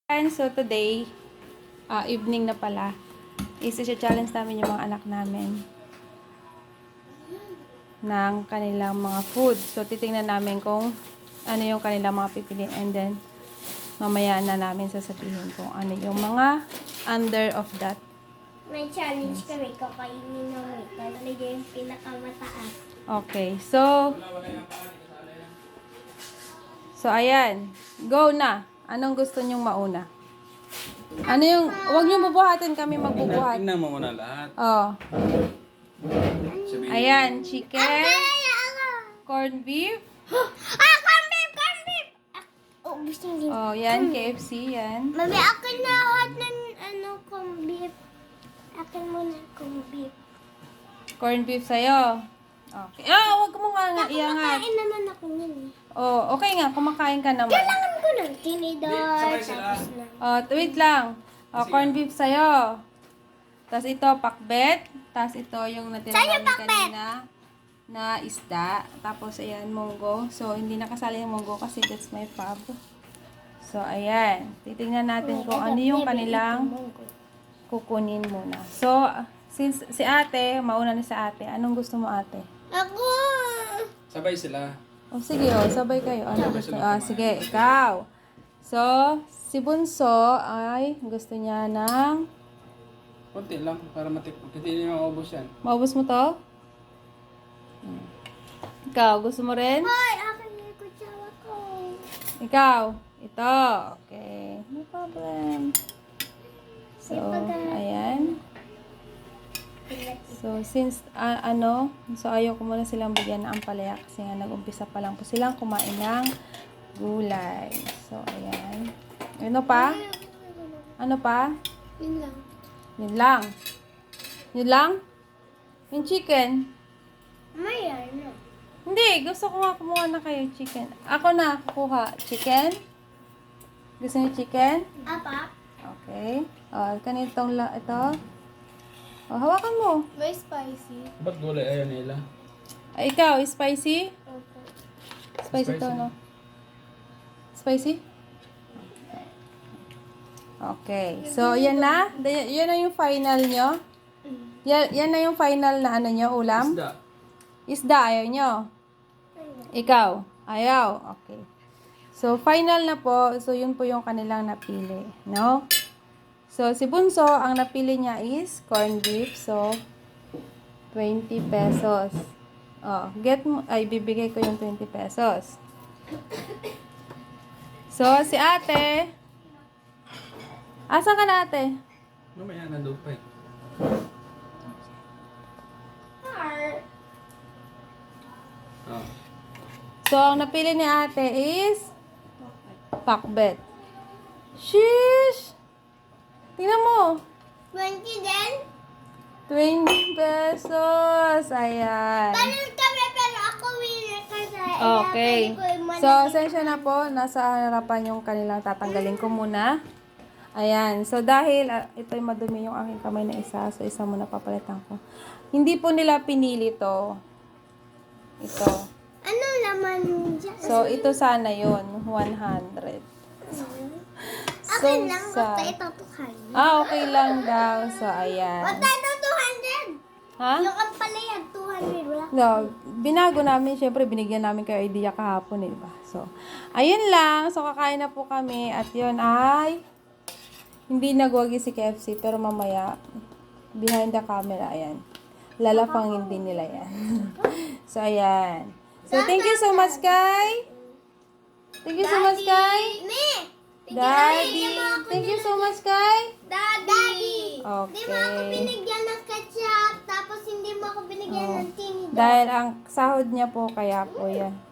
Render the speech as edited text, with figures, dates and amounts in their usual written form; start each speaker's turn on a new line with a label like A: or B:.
A: And so today, evening na pala, challenge namin yung mga anak namin ng kanilang mga food. So titingnan namin kung ano yung kanilang mga pipiliin, and then mamaya na namin sasabihin kung ano yung mga under of that.
B: May challenge kami, kakainin ng wait. Talaga yung pinakamataas.
A: Okay, so ayan, go na. Anong gusto nyong mauna? Ano yung, huwag nyo bubuhatin, kami magbubuhat.
C: Tingnan mo muna lahat.
A: Oh.
C: Sabihin.
A: Ayan, chicken, corned beef.
B: Corn beef! Corn beef! Oh, gusto niyo.
A: Oh, yan, KFC, yan.
B: Mami, akin na hot ng corn beef. Akin muna corn beef.
A: Corned beef sa'yo. Okay. Huwag mo nga iangat.
B: Kumakain naman ako yun.
A: Oh, okay nga, kumakain ka naman.
B: Kailangan ko ng tinidor.
C: Sabay sila.
B: Tapos na.
A: Oh, wait lang. Oh, corned beef sa'yo. Tapos ito, pakbet. Tapos ito, yung natira
B: Sa'yo,
A: namin
B: pakbet?
A: kanina na isda. Tapos, ayan, munggo. So, hindi nakasali yung munggo kasi that's my fab. So, ayan. Titingnan natin kung ano yung kanilang kukunin muna. So, since si ate, mauna na si ate, anong gusto mo ate?
B: Ako!
C: Sabay sila.
A: O sige, sabay kayo. Ano gusto?
C: kumain.
A: Sige, ikaw. So, si Bunso ay gusto niya ng...
C: Konti lang para matipid. Kasi hindi naman maubos yan.
A: Maubos mo to? Ikaw, gusto mo rin?
B: Hoy, akin yung kutsara ko.
A: Ikaw, ito. Okay, no problem. So, ayan. So, since, so ayaw ko muna silang bigyan ng ampalaya kasi nga nag-umpisa pa lang po silang kumain ng gulay. So, ayan. Ano pa? Ano pa?
B: Yun lang.
A: Yun lang. Yun lang? Yung chicken?
B: May ano.
A: Hindi, gusto ko nga kumuha na kayo chicken. Ako na kukuha. Chicken? Gusto niyo chicken?
B: Apa?
A: Okay. Kanitong ito. Hawakan mo.
B: May spicy.
C: Ba't gulay ayaw nila?
A: Ikaw, spicy?
B: Okay.
A: Spicy to,
C: Spicy.
A: no? Spicy? Okay. So, yan na. Yan na yung final nyo. Yan na yung final na ano nyo, ulam.
C: Isda.
A: Isda, ayaw nyo. Ikaw, ayaw. Okay. So, final na po. So, yun po yung kanilang napili. No? So, si Bunso, ang napili niya is corned beef. So, 20 pesos. Bibigay ko yung 20 pesos. So, si ate. Asan ka na ate?
C: Mamaya nandun pa eh. Oh.
A: So, ang napili ni ate is pakbet. Sheesh! Tingnan mo.
B: 20 din?
A: 20 pesos. Ayan.
B: Paano kami pero ako winner kasi.
A: Okay. So, sensya na po. Nasa harapan yung kanilang tatanggalin ko muna. Ayan. So, dahil ito'y madumi yung aking kamay na isa. So, isa muna papalitan ko. Hindi po nila pinili to. Ito.
B: Ano naman dyan?
A: So, ito sana yun. 100.
B: Akin lang,
A: sa-
B: basta ito 200.
A: okay lang daw. So, ayan.
B: Basta ito 200!
A: Ha?
B: Yung ang palayag 200, wala.
A: No, binago namin, syempre binigyan namin kayo idea kahapon, eh, diba? So, ayun lang. So, kakain na po kami. At yun ay, hindi nagwagi si KFC, pero mamaya, behind the camera, ayan. Lalapangin din nila yan. So, ayan. So, thank you so much, Kai. Thank you so much, Kai.
B: Me!
A: Daddy. Thank you so much, Kai.
B: Daddy!
A: Okay.
B: Hindi mo ako binigyan ng ketchup, tapos hindi mo ako binigyan ng tinidor.
A: Dahil ang sahod niya po, kaya po yan.